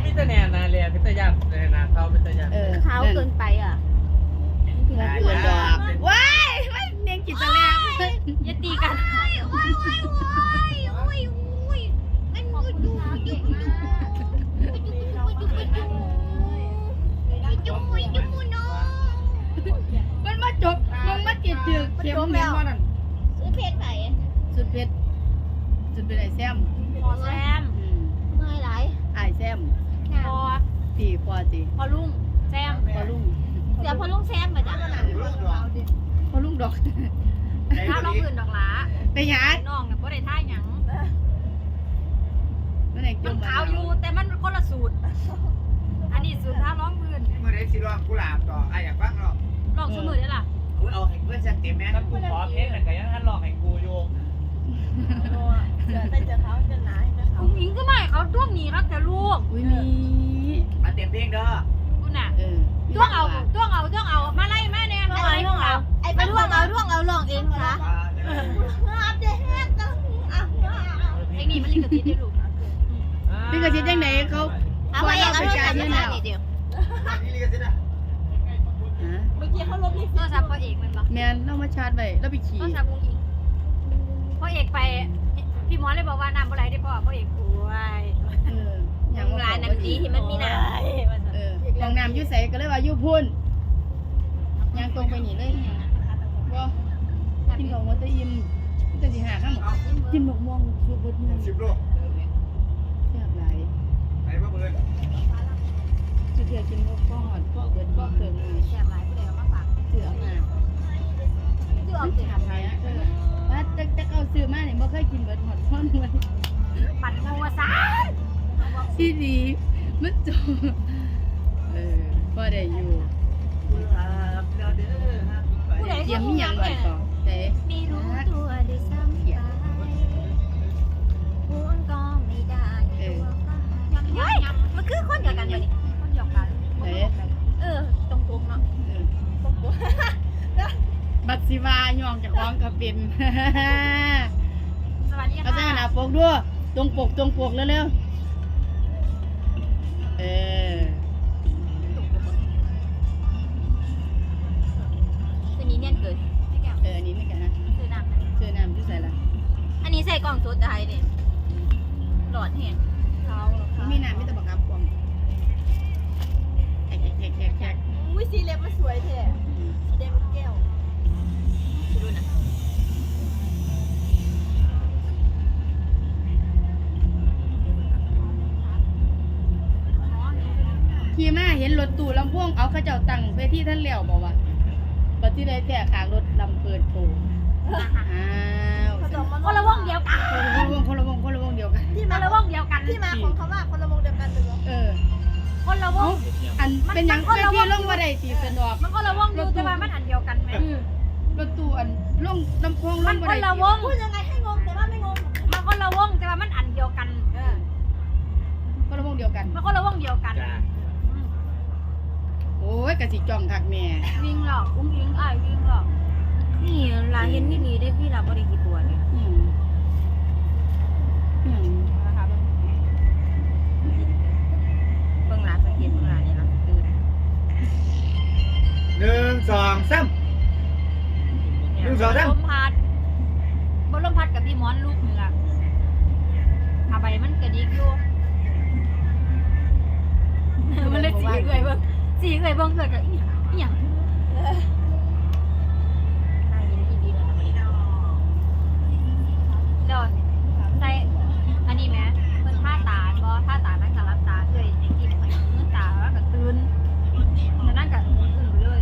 พิจารณานาเรียพิจารณานาเขาพิจารณาขาวเกินไปอ่ะพี่รักเกินดอกว้ายไม่เนียงกินตะแลงอย่าตีกันมันมาจบมันมากินเดือดเข็มแม่ว่านั่นซื้อเพชรไหนสุดเพชรไอ้แซมพอแซมไม่ไรไอ้แซมพอตีพอตีพอลุงแซมพอลุงเสียพอลุงแซมมาจ้ะพอลุงดอกถ้าน้องอื่นดอกหลาไปหาน้องเนี่ยบ่ได้ท่าหยังมันไหนจมันมขาวอยู่แต่มันคนละสูตรอันนี้สูตรท่าร้องอื่นเมื่อไรสิร้องกุหลาบต่อไอ้อยากฟังหรอกลองสมือได้ล่ะคุณเอาให้เพื่อนฉันเต็มแม่ถ้ากูขอเพชรแต่ก็ยังท่านหลอกให้กูโยงคุณหญิงก็ไม่เขาด้วงหนีรักแต่ลูกอุ้ยมีมาเต็มเพลงเด้อคุณน่ะด้ด้วงเอามาไล่แม่เนี่ยอะไรของเราไอ้ด้วงเอาลองเองเหรอไอ้นี่มันลิขสิทธิ์ได้ลูกพี่กระชิดยังไหนเขาเอาไปเองเอาโทรศัพท์มานี่เดียวนี่ลิขสิทธิ์อ่ะเมื่อกี้เขาลบโทรศัพท์พ่อเอกมันปะแมนเรามาชาร์จไว้เราไปขี่โทรศัพท์คุณหญิงพ่อเอกไปพี่หมอเลยบอกว่าน้ำอะไรได้พ่อเอกป่วยอย่างร้านน้ำดีที่มันมีน้ำมองน้ำยุ่ใสก็เลยว่ายุ่พุ่นยางตรงไปหนีเลยบ่กินของวัตถุอิ่มจะสิหาข้ามกินหมกม่วงชุบเบิดเมือง 10 โลแซ่บหลายไอ้พ่อเบิร์ดจะเถื่อกินพวกข้าวหอดพวกเบิดพวกเติมเลยแซ่บหลายผู้ใดเอามาฝากเถื่อมาซื้อเอามันเก็บถามหายว่าจะเอาซื้อมาเนี่ยบ่เคยกินเบิดหอดท่อนเลยปั่นโมวซะที่ดีมันจบพอได้อยู่ผู้ใดเยี่ยมมีหยังบัดก่อเด้ไม่รู้ตัวด้วยซ้ำไปพูดก็ไม่ได้ยำมันคือคนเดียวกันอยู่นี่คนเดียวกันตรงๆเนาะบัดสิวาย่องจากของก็เป็นสวัสดีเอาใจค่ะหน้าปกด้วยตรงปกเร็วๆตัวนี้เนี่ยเกิดอันนี้ไม่กันนะคือน้ำเจอน้ำที่ใส่ละอันนี้ใส่กล่องสุดไทยเนี่ยหลอดเห็นเขามีน้ำไม่ต้องบังคับกวางแขกอุ้ยสีเล็บมันสวยแท้สีแดงเป็นแก้วดูนะขี่มาเห็นรถตู้ลำพ่วงเอาข้าเจ้าตั้งเวทีท่านเลี้ยวบอกว่าบัดที่ได้แท้ขางรถลำเปิดโผล่อ้าวคนละวงเดียวกันคนละวงเดียวกันคนละวงเดียวกันที่มาของคำว่าคนละวงเดียวกันเลยเหรอคนละวงอันเป็นยังเวทีลงมาได้ตีสนอกมันคนละวงอยู่แต่ว่ามันอันเดียวกันไหมรถตู้อันลงลำโพงลมังนมาคนได้ละวงพูดยังไงให้งงแต่ว่าไม่งงมันคนละวงแต่ว่ามันอันเดียวกันคนละวงเดียวกันมันคนละวงเดียวกันโอ้ยกะสิจ่องคักแม่วิ่งหรอกอุ้งยิงอ้ายวิ่งหรอกนี่ลาเห็นนี่ดีได้พี่ลาบริกี่ตัวเนี่ย นะคะเบิ่งลาสังเกตเบิ่งลาเนี่ยนะดูนะ 1 2 3 ลมพัดบนลมพัดกับพี่มอนลูกนี่ล่ะอาใบมันกระดิกอยู่มันเลยสีเอื่อยเบิ่งสีเอื่อยเบิ่งเอื่อยกับอีหยังนายยินดีเลยนะวันนี้แล้วใส่อันนี้ไหมเพิ่นท่าตาบ่ท่าตานั่งกับรับตาเอื่อยไอ้กินไปมือตาแล้วก็ตื่นแล้วนั่งกับตื่นไปเลย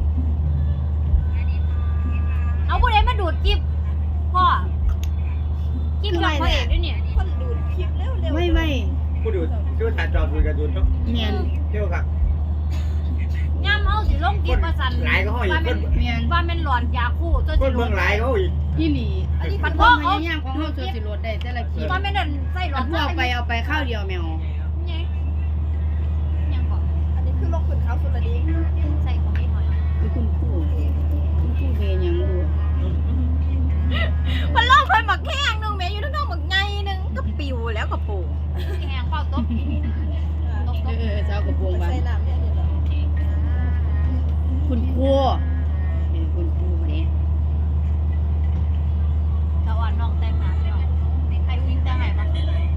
เอาผู้ใดมาดูดกิ๊บพ่อกิ๊บกับพ่อเอกด้วยเนี่ยคนดูดคลิปเร็วไม่ผู้ดูช่วยถ่ายจอดูการ์ตูนเนาะเมียนเที่ยวครับย่ำเอาสิลงกิ๊บมาสั่นหลายก็ห้อยว่าคเป็นนเมียนว่าเป็นหลอนยาคู่ตัวคนสิลเมืองหลายเขาอีกอีหลีมันคพ่อวามพเขายายามของเฮาโซสิโรดได้แต่ละคลิปว่าไม่เดินใส่หลออันนพวกเอาไปข้าวเดียวแมวไงยังก่อนๆอันนี้คือลงขุนเขาสุดละดีใส่ของไม่หน่อยคือคุณครูเฮยังดูมันเล่าคนหมักแข้งนึงแม่อยู่ทั้งนอกหมักไงนึงก็ปิวแล้วก็ปูที่แหงเป้าต๊บตบกระโปรงบ้างใส่น้ำเนี่ยเหรอคุณครูเป็นคุณครูคนนี้ตะวันน้องแต่งหน้าเนาะไอ้วิ่งแต่งไหนบ้าง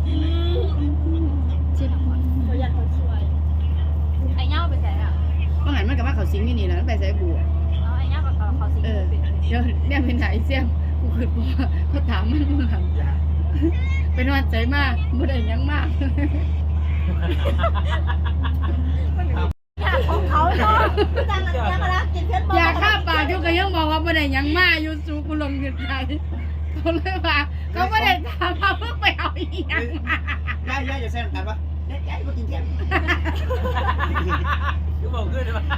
ชื่อหนังก่อนเขาอยากเขาสวยไอ้เงาไปใส่อ่ะว่าหันมันกับว่าเขาสิงนี่แล้วไปใส่บัวเอาไอ้เงากับเขาสิเออเดี๋ยวเนี่ยเป็นไหนเสี่ยงกูคือว่าเขาถามมันมึงหันเป็นวันใจมากบ่ได้ยังมากของเขาเนาะจังนั้นเนี่ยมาแล้วกินเพื่อนบอกอยากฆ่าปากอยู่ก็ยังบอกว่าบ่ได้ยังมากอยู่สู่กูลงเงินไทยเขาเลยว่าเขาบ่ได้ถามว่าเพิ่งไปเอาอีหยังมาย่าอย่าเส้นกันปะย่ามากินแก้มคือบอกขึ้นเลยว่า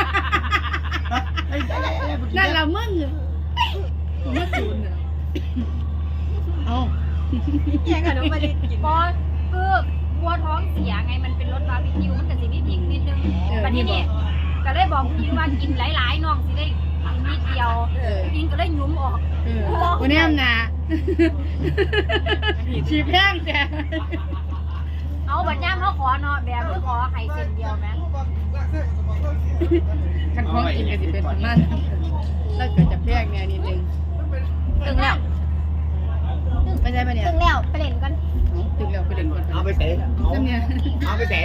นั่นล่ะมึงมาจูนเอาแย่งกันมาดิกินบอสคือกลัวท้องเสียไงมันเป็นรสบาร์บีคิวมันก็สิมีพริกนิดนึงวันนี้เนี่ยก็เลยบอกพี่ว่ากินหลายๆน้องสิได้กินนิดเดียวกินก็เลยหยุ้มออกวันนี้นะชีแพงแต่เอาบัดย่ามเขาขอเนาะแบบเพื่อขอไข่เส้นเดียวไหมขันของกินก็สิเป็นประมาณนั้นแล้วก็จะแพงเนี่ยนิดนึงถึงแล้วไม่ใช่ปะเนี่ยถึงแล้วไปเล่นกันถึงแล้วไปเดินก่อนเอาไปเสะซึ่งเนี่ยเอาไปเสะ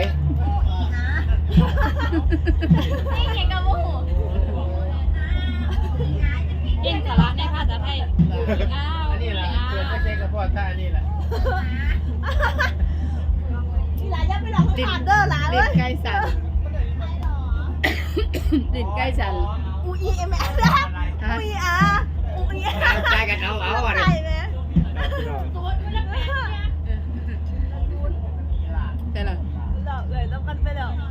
นี่เก่งกับโมโหเก่งสาระในภาษาไทยอ้าวอันนี้แหละเกิดไม่ใช่กระเพาะท่านี่แหละที่ร้านยังไม่หลอกเขาขาดเด้อหลานเลลิ้นยใกล้สั่นลิ้นใกล้สั่นอูอีเอ็มเอสนะอูอีอาร์อูอีอาร์ใจกันเอาอ่ะใช่ไหมแต่ละหลอกเลยต้องกันไปหลอก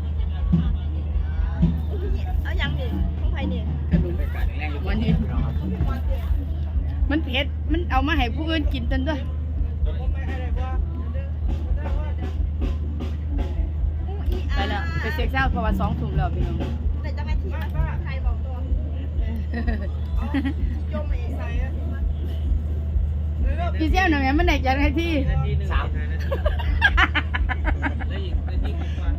เอายังดิของใครนี่กระดุมวันนี้มันเผ็ดมันเอามาให้ผู้อื่นกินจนด้วยไปแล้วไปเซ็กซ์เช้าเพราะว่า2 ทุ่มแล้วพี่น้องแต่จะมาทีใครบอกตัวโยมเองใส่พี่เซี่ยวหน่อยแม่มันไหนจะให้ที่นาทีหนึ่งนาทีแล้วอีกนาทีกว่า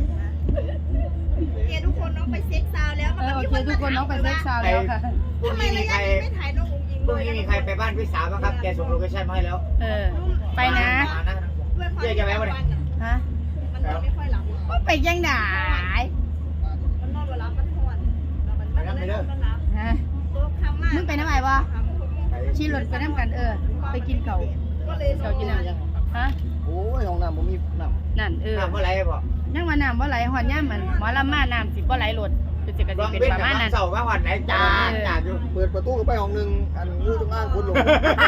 เกทุกคนน้องไปเซ็กซาวแล้วโอเคทุกคนน้องไปเซ็กซ์เช้าแล้วค่ะพรุ่งทำไมนี้ระมีใครยะไม่ถ่ายน้ององค์ยิงพรุ่งนี้มีใครไปบ้านพี่สาวบ้างครับแกส่งโลเคชั่นมาให้แล้วไปนะเจ๊จะไปวันไหนฮะมันนอนไม่ค่อยหลับก็ไปยังไหนมันนอนวันรับมันทอนมันรับฮะตัวคำมากมึงไปน้ำไหนวะชี้รถไปน้ำกันไปกินเก่าก็เลยเก่ากินน้ำฮะโอ้ยห้องน้ำผมมีน้ำนั่นน้ำเมื่อไรบอกยังว่าน้ำว่าไหลหอนย่ามันหมอลำมาน้ำสิบ่ไหลรถเป็นสิกลองเป็นเป็นประกับมาณนั้นเสาร์ว่าวันไหนจ้าจ้าอยู่เปิดประตูไปห้องหนึ่งอันงูจงอ้างคุณหลง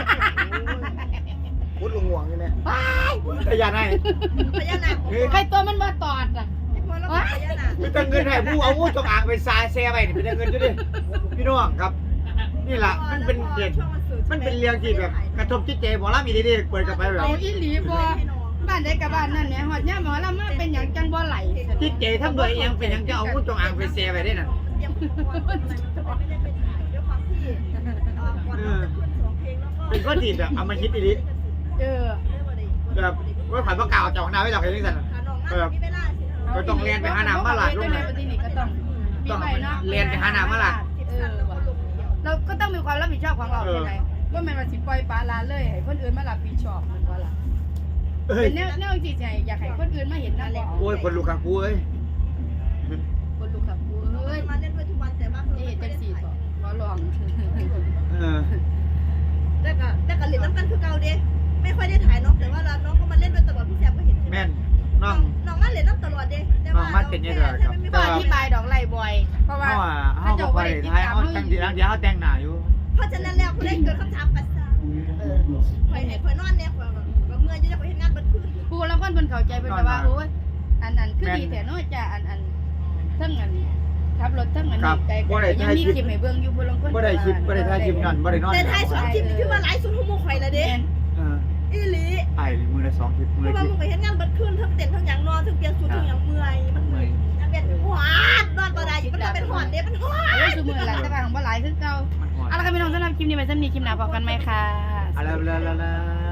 คุณหลงห่วงใช่ไหมพยานให้พญานาคใครตัวมันมาตอดอ่ะพอแล้วพญานาคมีแต่เงินให้ผู้เอางูจงอางไปซาเซ่ไปนี่มีแต่เงินจุดิพี่น้องครับ นี่แหละมันเป็นเรื่องมันเป็นเรื่องที่แบบกระทบจิตใจหมอลำอีดีๆเปิดกลับไปแบบเอาอีหลีบ่บ้านใดกับบ้านนั่นเนี่ยหอดย่าหมอลำมาเป็นอย่างจังบ่ไหลจิตใจทำโดยเองเป็นยังจะเอางูจงอางไปเซ่ไปได้น่ะเตรียมตัวไม่ได้ไปถ่ายด้วยความที่ก่อนเราจะขึ้นสองเพลงแล้วก็เป็นข้อดีแบบเอามาคิดอีดีเออแบบว่าผ่านประกาศจากของนาไว้หลักอย่างนี้สั่นขาน้องมากมีเวลาสิก็ต้องเรียนไปหาน้ำมาหลาดลูกนะนะที่นี่ก็ต้องมีใบเนาะเรียนไปหาน้ำมาหลาดเราก็ต้องมีความรับผิดชอบของเราใช่ไหมว่ามันมาสิปล่อยปลาลาเลยให้คนอื่นมารับผิดชอบมันว่าล่ะเอ้ยเป็นแนวจิตใจอยากให้คนอื่นมาเห็นนั่นแหละโอ้ยคนลูกกับกูเอ้ยคนลูกกับกูเอ้ยมาเล่นด้วยทุกวันแต่ว่านี่จังสี่ต่อขอลองเออแต่ก็เล่นน้ำกันคือเก่าเด้ไม่ค่อยได้ถ่ายน้องแต่ว่าน้องก็มาเล่นด้วยตลอดพี่แซมก็เห็นแม่นน้องน้องมาเล่นน้ำตลอดเด้แต่ว่าก็อธิบายดอกไล่บ่อย เพราะว่าเขาบอกไปท้ายเขาตั้งทีหลังเดี๋ยวเขาแต่งหน้าอยู่เพราะฉะนั้นแล้วผู้เล่นเกิดคำถามกันซะคอยคอยนอนเนี่ยคอยเมื่อจะได้ไปเห็นงานบันทึกกูแล้วคนเพิ่นเข้าใจเป็นว่าโอ้ยอันคือดีแต่น้อยจ้ะอันทั้งอันขับรถทั้งอันนี้ไกลยังมีคลิปให้เบิ่งอยู่บ่ลงคนบ่ได้คลิปบ่ได้ถ่ายคลิปนั่นบ่ได้นอนแต่ท้ายสองคลิปคือว่าหลายสุดหัวคอยละเด้เอออีหลีไอ้มือละ2คลิปมืเพอราะละว่าคลิปมึงไปเห็นงานบันทึกทั้งเต้นทั้งอย่างนอนทั้งเปลี่ยนสูตรทั้งอย่างเมื่อยมันเมื่อยยังเป็นหวานนอนบ่ได้อยู่มันเป็นหอนเด้มันหวานแล้วซุมื้อละแต่ว่าของบ่หลายคือเก่ามันหอนเอาละค่ะพี่น้องสำหรับคลิปนี้ไว้ซ้ำนี้คลิปหน้าพบกันใหม่ค่ะอะไร